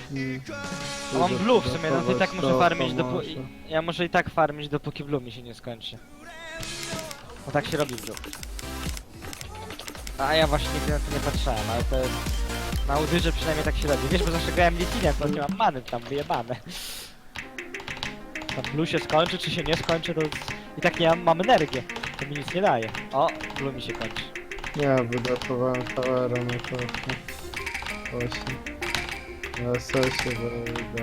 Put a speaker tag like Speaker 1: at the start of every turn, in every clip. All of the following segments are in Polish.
Speaker 1: A mam blue w sumie, no to i tak muszę farmić
Speaker 2: dopóki...
Speaker 1: Ja muszę i tak farmić dopóki blue mi się nie skończy. No tak się robi blue. A ja właśnie nigdy na to nie patrzałem, ale to jest... Na Udyrze przynajmniej tak się robi. Wiesz, bo zawsze grałem Litinem, to nie mam many tam wyjebane. To blue się skończy, czy się nie skończy, to... I tak nie mam energię. To mi nic nie daje. O, blue mi się kończy.
Speaker 2: Ja wydawałem towera na to. Właśnie. Na sesie, bo idę.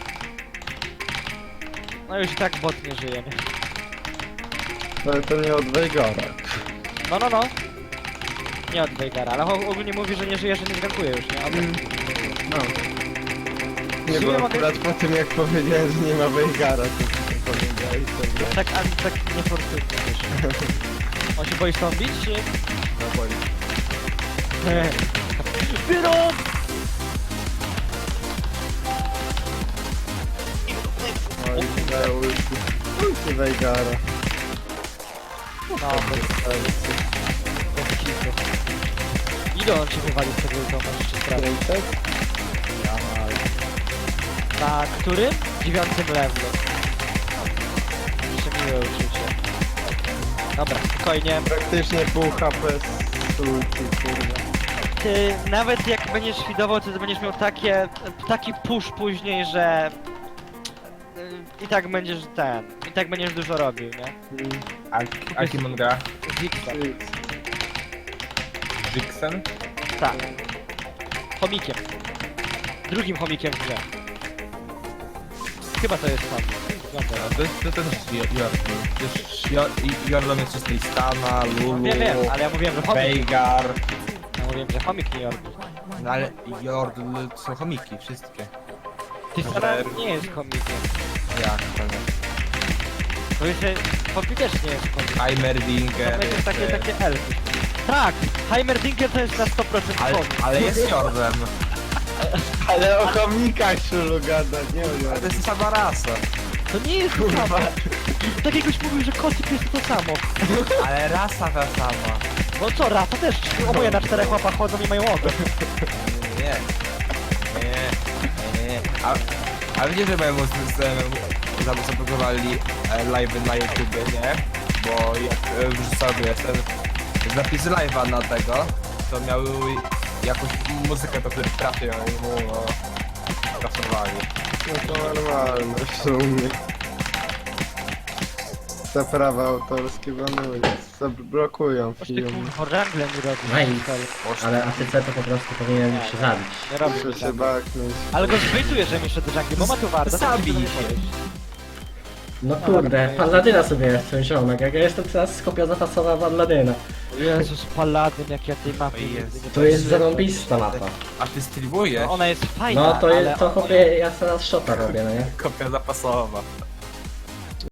Speaker 1: No już i tak bot nie żyje, nie?
Speaker 2: Ale to nie od Veigara.
Speaker 1: No. Nie od Veigara, ale ogólnie mówi, że nie żyje, że nie zgankuje już, nie?
Speaker 2: No. Nie, bo akurat po tym jak powiedziałem, że nie ma Veigara, to powiedziałeś sobie.
Speaker 1: Tak niefortunnie wiesz. On się boi stąd bić, czy?
Speaker 2: No boi.
Speaker 1: Wyrok!
Speaker 2: Oj, daję ulti Veigara.
Speaker 1: No, bez kitu. Ile on cię wywalił z tego ultoma, jeszcze sprawdzę.
Speaker 2: 500? Ja mam.
Speaker 1: Na którym? 9 levelu. Jeszcze miłe uczucie. Dobra, spokojnie.
Speaker 2: Praktycznie pół HP z ulti, kurwa.
Speaker 1: Ty, nawet jak będziesz fidował, to będziesz miał taki push później, że... I tak będziesz i tak będziesz dużo robił, nie?
Speaker 3: A kim on gra?
Speaker 1: Zigzag.
Speaker 3: Jixen?
Speaker 1: Tak. Chomikiem. Drugim chomikiem w grze. Chyba to jest chomik. Wygląda.
Speaker 3: To też jest Jordan. Jordan jest z Tristana, Lulu,
Speaker 1: Wiem, ale ja mówiłem, że chomik.
Speaker 3: Veigar.
Speaker 1: Ja mówiłem, że chomik nie Jordan.
Speaker 3: No ale Jordan są chomiki, wszystkie.
Speaker 1: Ty stara nie jest chomikiem.
Speaker 3: Jak to nie?
Speaker 1: Bo jeszcze chomik też nie jest chomik.
Speaker 3: Heimerdinger.
Speaker 1: To jest takie elfy. Tak! Heimerdinker to jest na 100% chomik.
Speaker 3: Ale jest Jordan.
Speaker 2: Ale o komnikach Szulu gada, nie o
Speaker 3: Ale to jest sama rasa.
Speaker 1: To nie jest to samo. Tak jakbyś mówił, że kocyk jest to samo.
Speaker 3: Ale rasa ta sama.
Speaker 1: No co, rasa też. Oboje na 4 łapach chodzą i mają ogon.
Speaker 3: Nie. A wiecie, że mojemu zablokowali live'y na YouTubie, nie? Bo jak wrzucał ten zapis live'a na tego, to miały jakąś muzykę, do której trafią i mu kasowali.
Speaker 2: No to normalne w sumie. Te prawa autorskie banują, zablokują
Speaker 1: Oż ty
Speaker 2: film.
Speaker 1: kurwa, rangle mi robi.
Speaker 4: Nice. Ale ATC to po prostu powinien się zabić.
Speaker 1: Nie robi
Speaker 2: Muszę
Speaker 1: się
Speaker 2: się
Speaker 1: tak.
Speaker 2: baknąć.
Speaker 1: Ale go zbytuje, że mi szedł do jungle, bo ma tu warto.
Speaker 3: Zabij się.
Speaker 4: No kurde, Palladyna sobie jestem ziomek, jak ja jestem teraz kopia zapasowa Palladyna.
Speaker 1: Jezus, paladyn, jak ja tej mapy
Speaker 3: Oj,
Speaker 1: nigdy
Speaker 3: jest.
Speaker 1: nie
Speaker 4: To jest zarąbista mapa.
Speaker 3: A ty streamujesz?
Speaker 1: No ona jest fajna,
Speaker 4: No to
Speaker 1: ale...
Speaker 4: jest, to chłopie, ja teraz shota robię, no nie?
Speaker 3: Kopia zapasowa.